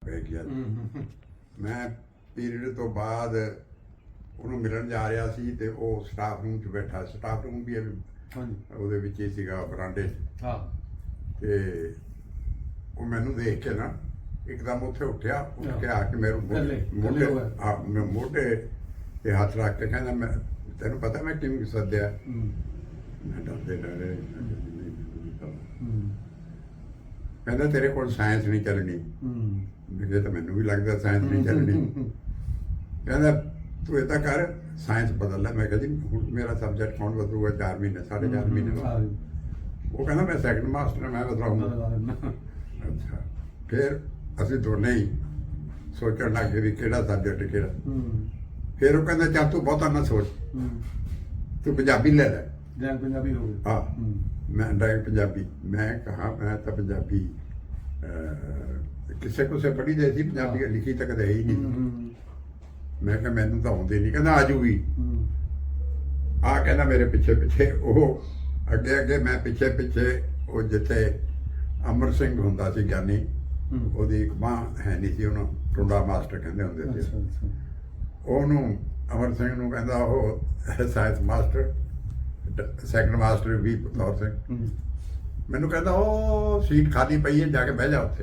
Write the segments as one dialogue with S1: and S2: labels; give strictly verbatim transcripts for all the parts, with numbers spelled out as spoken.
S1: ਪੈ ਗਿਆ। ਮੈਂ ਪੀਰੀਅਡ ਤੋਂ ਬਾਅਦ ਉਹਨੂੰ ਮਿਲਣ ਜਾ ਰਿਹਾ ਸੀ ਤੇ ਉਹ ਸਟਾਫ ਰੂਮ 'ਚ ਬੈਠਾ, ਸਟਾਫ ਰੂਮ ਵੀ ਉਹਦੇ ਵਿੱਚ ਹੀ ਸੀਗਾ ਬਰਾਂਡੇ 'ਚ।
S2: ਹਾਂ
S1: ਤੇ ਉਹ ਮੈਨੂੰ ਦੇਖ ਕੇ ਨਾ ਇੱਕਦਮ ਉੱਥੇ ਉੱਠਿਆ, ਉੱਠ ਕੇ ਆ ਕੇ ਮੇਰੇ ਮੋਢੇ ਆ ਮੈਂ ਮੋਢੇ ਤੇ ਹੱਥ ਰੱਖ ਕੇ ਕਹਿੰਦਾ, ਮੈਂ ਤੈਨੂੰ ਪਤਾ ਮੈਂ ਕਿਵੇਂ ਸੱਦਿਆ? ਮੈਂ ਡਰਦੇ ਡਰੇ ਕਹਿੰਦਾ ਤੇਰੇ ਕੋਲ ਸਾਇੰਸ ਨਹੀਂ ਚੱਲਣੀ। ਮੇਰੇ ਤਾਂ ਮੈਨੂੰ ਵੀ ਲੱਗਦਾ ਸਾਇੰਸ ਨਹੀਂ ਚੱਲਣੀ। ਕਹਿੰਦਾ ਤੂੰ ਏਦਾਂ ਕਰ, ਸਾਇੰਸ ਬਦਲ ਲੈ। ਮੈਂ ਕਿਹਾ ਜੀ ਹੁਣ ਮੇਰਾ ਸਬਜੈਕਟ ਕੌਣ ਬਦਲੂਗਾ? ਚਾਰ ਮਹੀਨੇ ਸਾਢੇ ਚਾਰ ਮਹੀਨੇ ਬਾਅਦ। ਉਹ ਕਹਿੰਦਾ ਮੈਂ ਸੈਕੰਡ ਮਾਸਟਰ ਮੈਂ ਬਦਲਾਉਂਗਾ। ਅੱਛਾ, ਫਿਰ ਅਸੀਂ ਦੋਨੇ ਹੀ ਸੋਚਣ ਲੱਗ ਗਏ ਵੀ ਕਿਹੜਾ ਸਬਜੈਕਟ ਕਿਹੜਾ। ਫਿਰ ਉਹ ਕਹਿੰਦਾ ਚੱਲ ਤੂੰ ਬਹੁਤਾ ਨਾ ਸੋਚ, ਤੂੰ ਪੰਜਾਬੀ ਲੈ ਲੈ।
S2: ਡਰਾਇੰਗ ਪੰਜਾਬੀ ਹੋ ਗਈ।
S1: ਹਾਂ, ਮੈਂ ਡਰਾਇੰਗ ਪੰਜਾਬੀ। ਮੈਂ ਕਹਾ ਮੈਂ ਤਾਂ ਪੰਜਾਬੀ ਕਿਸੇ ਕੋਸੇ ਪੜ੍ਹੀ ਦੇ ਸੀ, ਪੰਜਾਬੀ ਲਿਖੀ ਤਾਂ ਕਦੇ ਹੈ ਹੀ ਨਹੀਂ। ਮੈਂ ਕਿਹਾ ਮੈਨੂੰ ਤਾਂ ਆਉਂਦੇ ਨਹੀਂ। ਕਹਿੰਦਾ ਆਜੂਗੀ। ਆ ਕਹਿੰਦਾ ਮੇਰੇ ਪਿੱਛੇ ਪਿੱਛੇ ਉਹ ਅੱਗੇ ਅੱਗੇ, ਮੈਂ ਪਿੱਛੇ ਪਿੱਛੇ। ਉਹ ਜਿੱਥੇ ਅਮਰ ਸਿੰਘ ਹੁੰਦਾ ਸੀ ਗਿਆਨੀ, ਉਹਦੀ ਇੱਕ ਬਾਂਹ ਹੈ ਨਹੀਂ ਸੀ, ਉਹਨੂੰ ਟੁੰਡਾ ਮਾਸਟਰ ਕਹਿੰਦੇ ਹੁੰਦੇ ਸੀ। ਉਹਨੂੰ ਅਮਰ ਸਿੰਘ ਨੂੰ ਕਹਿੰਦਾ ਉਹ ਸਾਇੰਸ ਮਾਸਟਰ, ਸੈਕੰਡ ਮਾਸਟਰ ਵੀ ਬਤੌਰ ਸਿੰਘ। ਮੈਨੂੰ ਕਹਿੰਦਾ ਉਹ ਸੀਟ ਖਾਲੀ ਪਈ ਹੈ, ਜਾ ਕੇ ਬਹਿ ਜਾ ਉੱਥੇ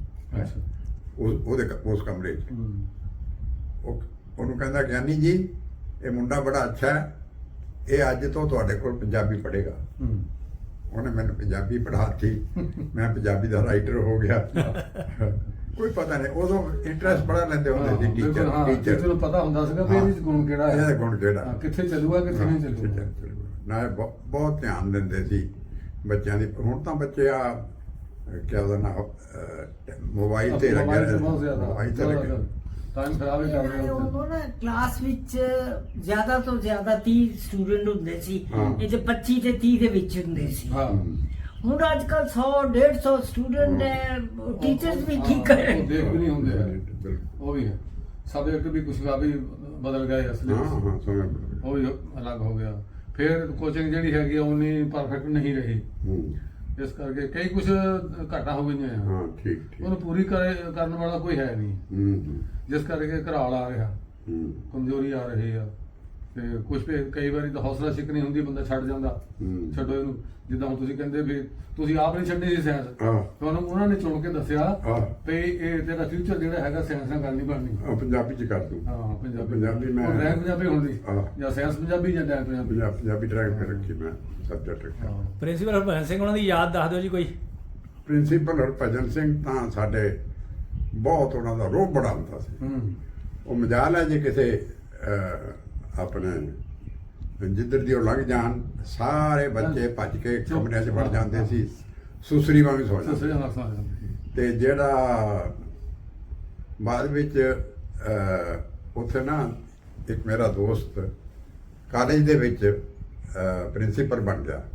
S1: ਉਹਦੇ ਉਸ ਕਮਰੇ 'ਚ। ਉਹ ਉਹਨੂੰ ਕਹਿੰਦਾ ਗਿਆਨੀ ਜੀ ਇਹ ਮੁੰਡਾ ਬੜਾ ਅੱਛਾ ਹੈ, ਇਹ ਅੱਜ ਤੋਂ ਤੁਹਾਡੇ ਕੋਲ ਪੰਜਾਬੀ ਪੜ੍ਹੇਗਾ। ਉਹਨੇ ਮੈਨੂੰ ਪੰਜਾਬੀ ਪੜ੍ਹਾਤੀ, ਮੈਂ ਪੰਜਾਬੀ ਦਾ ਰਾਈਟਰ ਹੋ ਗਿਆ। ਕੋਈ ਪਤਾ ਨਹੀਂ, ਉਦੋਂ ਇੰਟਰਸਟ ਬੜਾ ਲੈਂਦੇ ਹੁੰਦੇ ਸੀ ਟੀਚਰ ਟੀਚਰ
S2: ਨੂੰ ਪਤਾ ਹੁੰਦਾ ਸੀਗਾ ਵੀ ਇਹਦੇ ਗੁਣ ਕਿਹੜਾ ਹੈ,
S1: ਇਹਦਾ ਗੁਣ ਕਿਹੜਾ,
S2: ਕਿੱਥੇ ਚੱਲੂਗਾ ਕਿੱਥੇ ਨਹੀਂ ਚੱਲੂਗਾ।
S1: ਨਾ ਬਹੁਤ ਧਿਆਨ ਦਿੰਦੇ ਸੀ ਬੱਚਿਆਂ ਦੀ। ਹੁਣ ਤਾਂ ਬੱਚੇ ਆ ਕਿਆ ਉਹਦਾ ਨਾ ਮੋਬਾਈਲ ਤੇ ਲੱਗਿਆ ਮੋਬਾਈਲ ਤੇ ਲੱਗਿਆ
S2: ਟਾਈਮ ਖਰਾਬ ਹੀ ਕਰ ਰਹੇ
S3: ਉਹ ਨਾ ਕਲਾਸ ਵਿੱਚ ਜ਼ਿਆਦਾ ਤੋਂ ਜ਼ਿਆਦਾ ਤੀਹ ਸਟੂਡੈਂਟ ਹੁੰਦੇ ਸੀ, ਇਹ ਤੇ ਪੱਚੀ ਤੇ ਤੀਹ ਦੇ ਵਿੱਚ ਹੁੰਦੇ ਸੀ। ਹੁਣ ਅੱਜ ਕੱਲ ਸੌ ਡੇਢ ਸੌ ਸਟੂਡੈਂਟ ਹੈ, ਟੀਚਰਸ ਵੀ ਕੀ ਕਰੇ,
S2: ਉਹ ਦੇਖ ਵੀ ਨਹੀਂ ਹੁੰਦੇ। ਉਹ ਵੀ ਹੈ ਸਬਜੈਕਟ ਵੀ ਕੁਛ ਵੀ ਬਦਲ ਗਏ ਅਸਲੀ, ਉਹ ਵੀ ਅਲੱਗ ਹੋ ਗਿਆ। ਫਿਰ ਕੋਚਿੰਗ ਜਿਹੜੀ ਹੈਗੀ ਉਨੀ ਪਰਫੈਕਟ ਨਹੀਂ ਰਹੀ, ਇਸ ਕਰਕੇ ਕਈ ਕੁਛ ਘਾਟਾਂ ਹੋ ਗਈਆਂ।
S1: ਹਾਂ ਠੀਕ ਠੀਕ,
S2: ਉਹਨੂੰ ਪੂਰੀ ਕਰਨ ਵਾਲਾ ਕੋਈ ਹੈ ਨਹੀਂ, ਜਿਸ ਕਰਕੇ ਘਰਾਲ ਆ ਰਿਹਾ, ਕਮਜ਼ੋਰੀ ਆ ਰਹੀ ਆ। ਤੇ ਕੁਛ ਕਈ ਵਾਰੀ ਤਾਂ ਹੌਸਲਾ ਸ਼ਿਕਨੀ ਹੁੰਦੀ, ਬੰਦਾ ਛੱਡ ਜਾਂਦਾ। ਛੱਡੋ ਇਹਨੂੰ, ਜਿੱਦਾਂ ਹੁਣ ਤੁਸੀਂ ਕਹਿੰਦੇ ਵੀ ਤੁਸੀਂ ਆਪ ਨਹੀਂ ਛੱਡਣੀ ਸੀ ਸਾਇੰਸ, ਤੁਹਾਨੂੰ ਉਹਨਾਂ ਨੇ ਚੁਣ ਕੇ ਦੱਸਿਆ ਵੀ ਇਹ ਤੇਰਾ ਫਿਊਚਰ ਜਿਹੜਾ ਹੈਗਾ ਸਾਇੰਸ ਨਾਲ ਗੱਲ ਨਹੀਂ ਬਣਨੀ,
S1: ਪੰਜਾਬੀ ਚ ਕਰ ਦੂੰ।
S2: ਹਾਂ ਪੰਜਾਬੀ
S1: ਪੰਜਾਬੀ ਮੈਂ
S2: ਡਰਾਇੰਗ ਪੰਜਾਬੀ ਹੁੰਦੀ, ਜਾਂ ਸਾਇੰਸ ਪੰਜਾਬੀ ਜਾਂ ਡਰਾਇੰਗ ਪੰਜਾਬੀ।
S1: ਪੰਜਾਬੀ ਡਰਾਇੰਗ ਤੇ ਰੱਖੀ ਮੈਂ ਸਬਜੈਕਟ ਰੱਖਿਆ।
S4: ਪ੍ਰਿੰਸੀਪਲ ਹਰਭਜਨ ਸਿੰਘ ਉਹਨਾਂ ਦੀ ਯਾਦ ਦੱਸ ਦਿਓ ਜੀ ਕੋਈ।
S1: ਪ੍ਰਿੰਸੀਪਲ ਹਰਭਜਨ ਸਿੰਘ ਤਾਂ ਸਾਡੇ ਬਹੁਤ, ਉਹਨਾਂ ਦਾ ਰੋਹ ਬੜਾ ਹੁੰਦਾ ਸੀ। ਉਹ ਮਜਾਲ ਹੈ ਜੇ ਕਿਸੇ ਆਪਣੇ ਜਿੱਧਰ ਦੀ ਉਹ ਲੰਘ ਜਾਣ, ਸਾਰੇ ਬੱਚੇ ਭੱਜ ਕੇ ਕਮਰਿਆਂ 'ਚ ਵੜ ਜਾਂਦੇ ਸੀ, ਸੁਸਰੀ ਵਾਂਗ ਸੌ ਜਾਂਦੇ। ਤੇ ਜਿਹੜਾ ਬਾਅਦ ਵਿੱਚ ਉੱਥੇ ਨਾ ਇੱਕ ਮੇਰਾ ਦੋਸਤ ਕਾਲਜ ਦੇ ਵਿੱਚ ਪ੍ਰਿੰਸੀਪਲ ਬਣ ਗਿਆ,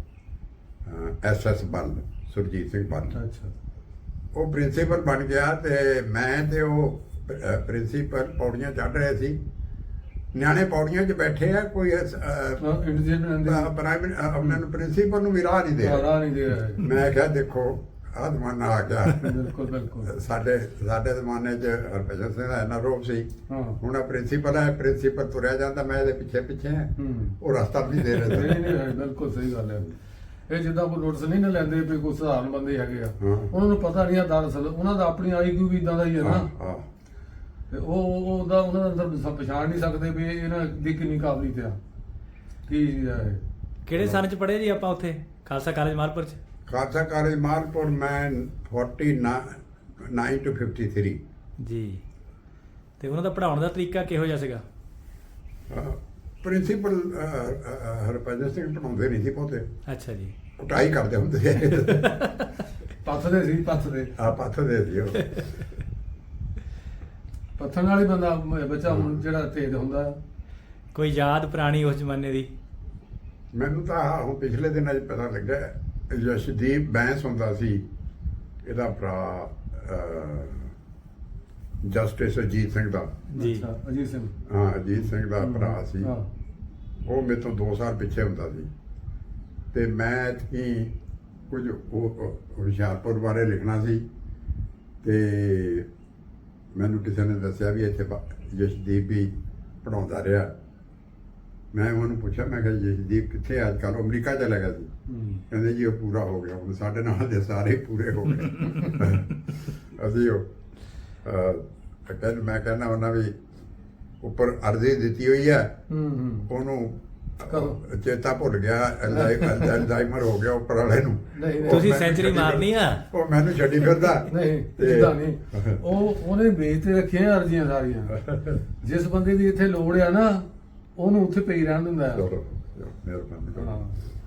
S1: ਐਸ ਐਸ ਬੱਲ, ਸੁਰਜੀਤ ਸਿੰਘ ਬੱਲ। ਉਹ ਪ੍ਰਿੰਸੀਪਲ ਬਣ ਗਿਆ ਤੇ ਮੈਂ ਤੇ ਉਹ ਪ੍ਰਿੰਸੀਪਲ ਪੌੜੀਆਂ ਚੜ੍ਹ ਰਹੇ ਸੀ। ਨਿਆਣੇ ਪੌੜੀਆਂ 'ਚ ਬੈਠੇ ਆ, ਕੋਈ ਪ੍ਰਾਈਵੇਟ ਆਪਣੇ ਨੂੰ ਪ੍ਰਿੰਸੀਪਲ ਨੂੰ ਵੀ ਰਾਹ ਨਹੀਂ ਦੇ ਰਿਹਾ। ਮੈਂ ਕਿਹਾ ਦੇਖੋ ਆਹ ਜ਼ਮਾਨਾ ਆ ਗਿਆ।
S2: ਬਿਲਕੁਲ ਬਿਲਕੁਲ,
S1: ਸਾਡੇ ਸਾਡੇ ਜ਼ਮਾਨੇ 'ਚ ਹਰਭਜਨ ਸਿੰਘ ਦਾ ਇੰਨਾ ਰੋਪ ਸੀ। ਹੁਣ ਆ ਪ੍ਰਿੰਸੀਪਲ ਹੈ, ਪ੍ਰਿੰਸੀਪਲ ਤੁਰਿਆ ਜਾਂਦਾ, ਮੈਂ ਇਹਦੇ ਪਿੱਛੇ ਪਿੱਛੇ ਆ, ਉਹ ਰਸਤਾ ਵੀ ਨਹੀਂ ਦੇ ਰਹੇ।
S2: ਬਿਲਕੁਲ ਸਹੀ ਗੱਲ ਹੈ। ਇਹ ਜਿੱਦਾਂ ਕੋਈ ਨੋਟਿਸ ਨਹੀਂ ਨਾ ਲੈਂਦੇ ਵੀ ਕੋਈ ਸਧਾਰਨ ਬੰਦੇ ਹੈਗੇ ਆ, ਉਹਨਾਂ ਨੂੰ ਪਤਾ ਨਹੀਂ ਆ ਦਰਅਸਲ ਉਹਨਾਂ ਦਾ ਆਪਣੀ ਆਈ ਕਿਊ ਵੀ ਇਦਾਂ ਦਾ ਹੀ ਹੈ ਨਾ। ਤੇ ਉਹ ਉਹਦਾ ਉਹਨਾਂ ਦੇ ਅੰਦਰ ਪਛਾਣ ਨਹੀਂ ਸਕਦੇ ਵੀ ਇਹਨਾਂ ਦੀ ਕਿੰਨੀ ਕਾਬਲੀਅਤ ਆ ਕੀ ਹੈ।
S4: ਕਿਹੜੇ ਸਨ ਚ ਪੜ੍ਹੇ ਜੀ ਆਪਾਂ ਉੱਥੇ ਖਾਲਸਾ ਕਾਲਜ ਮਾਲਪੁਰ ਚ?
S1: ਖਾਲਸਾ ਕਾਲਜ ਮਾਲਪੁਰ ਮੈਂ forty nine two fifty three
S4: ਜੀ। ਤੇ ਉਹਨਾਂ ਦਾ ਪੜ੍ਹਾਉਣ ਦਾ ਤਰੀਕਾ ਕਿਹੋ ਜਿਹਾ ਸੀਗਾ?
S1: ਪ੍ਰਿੰਸੀਪਲ ਹਰਭਜਨ ਸਿੰਘ ਪੜ੍ਹਾਉਂਦੇ ਨਹੀਂ ਸੀ ਬਹੁਤੇ।
S4: ਅੱਛਾ ਜੀ।
S1: ਕੁਟਾਈ ਕਰਦੇ ਹੁੰਦੇ ਸੀ,
S2: ਪੱਥਦੇ ਸੀ, ਪੱਥਦੇ
S1: ਆ ਪੱਥਦੇ ਸੀ ਉਹ।
S2: ਪੱਥਣ ਵਾਲੀ ਬੰਦਾ ਬੱਚਾ ਹੁਣ ਜਿਹੜਾ ਤੇਜ਼ ਹੁੰਦਾ।
S4: ਕੋਈ ਯਾਦ ਪੁਰਾਣੀ ਉਸ ਜ਼ਮਾਨੇ ਦੀ?
S1: ਮੈਨੂੰ ਤਾਂ ਹੁਣ ਪਿਛਲੇ ਦਿਨਾਂ 'ਚ ਪਤਾ ਲੱਗਾ, ਯਸ਼ਦੀਪ ਬੈਂਸ ਹੁੰਦਾ ਸੀ, ਇਹਦਾ ਭਰਾ ਜਸਟਿਸ ਅਜੀਤ ਸਿੰਘ ਦਾ।
S4: ਜੀ
S2: ਅਜੀਤ ਸਿੰਘ,
S1: ਹਾਂ ਅਜੀਤ ਸਿੰਘ ਦਾ ਭਰਾ ਸੀ। ਉਹ ਮੇਰੇ ਤੋਂ ਦੋ ਸਾਲ ਪਿੱਛੇ ਹੁੰਦਾ ਸੀ। ਤੇ ਮੈਂ ਹੀ ਕੁਝ ਹੁਸ਼ਿਆਰਪੁਰ ਬਾਰੇ ਲਿਖਣਾ ਸੀ, ਤੇ ਮੈਨੂੰ ਕਿਸੇ ਨੇ ਦੱਸਿਆ ਵੀ ਇੱਥੇ ਬ- ਜਸ਼ਦੀਪ ਵੀ ਪੜਾਉਂਦਾ ਰਿਹਾ। ਮੈਂ ਉਹਨੂੰ ਪੁੱਛਿਆ, ਮੈਂ ਕਿਹਾ ਜਸ਼ਦੀਪ ਕਿੱਥੇ ਅੱਜ ਕੱਲ੍ਹ? ਅਮਰੀਕਾ ਚਲਾ ਗਿਆ ਸੀ। ਕਹਿੰਦੇ ਜੀ ਉਹ ਪੂਰਾ ਹੋ ਗਿਆ, ਹੁਣ ਸਾਡੇ ਨਾਲ ਦੇ ਸਾਰੇ ਪੂਰੇ ਹੋ ਗਏ। ਅਸੀਂ ਉਹ ਅਹ, ਕਹਿੰਦੇ ਮੈਂ ਕਹਿੰਦਾ ਉਹਨਾਂ ਵੀ ਉੱਪਰ ਅਰਜ਼ੀ ਦਿੱਤੀ ਹੋਈ ਹੈ, ਉਹਨੂੰ
S2: ਕਦੋਂ?
S1: ਚੇਤਾ ਭੁੱਲ ਗਿਆ, ਅਲਜ਼ਾਈਮਰ ਹੋ ਗਿਆ ਉੱਪਰ ਵਾਲੇ ਨੂੰ।
S2: ਨਹੀਂ, ਨਹੀਂ।
S4: ਤੁਸੀਂ
S1: ਉਹ ਮੈਨੂੰ
S4: ਸੈਂਚਰੀ
S1: ਛੱਡੀ
S4: ਮਾਰਨੀ ਆ?
S1: ਉਹ ਮੈਨੂੰ ਛੱਡੀ ਫਿਰਦਾ।
S2: ਨਹੀਂ
S1: ਤੇ-
S2: ਜਿੱਦਾਂ ਨਹੀਂ, ਉਹ ਉਹਨੇ ਵੇਚ ਤੇ ਰੱਖੀਆਂ ਅਰਜ਼ੀਆਂ ਸਾਰੀਆਂ। ਜਿਸ ਬੰਦੇ ਦੀ ਇੱਥੇ ਲੋੜ ਆ ਨਾ, ਉਹਨੂੰ ਉੱਥੇ ਪਈ ਰਹਿਣ ਦਿੰਦਾ ਆ।
S1: ਚਲੋ ਮਿਹਰਬਾਨੀ।
S2: ਹਾਂ।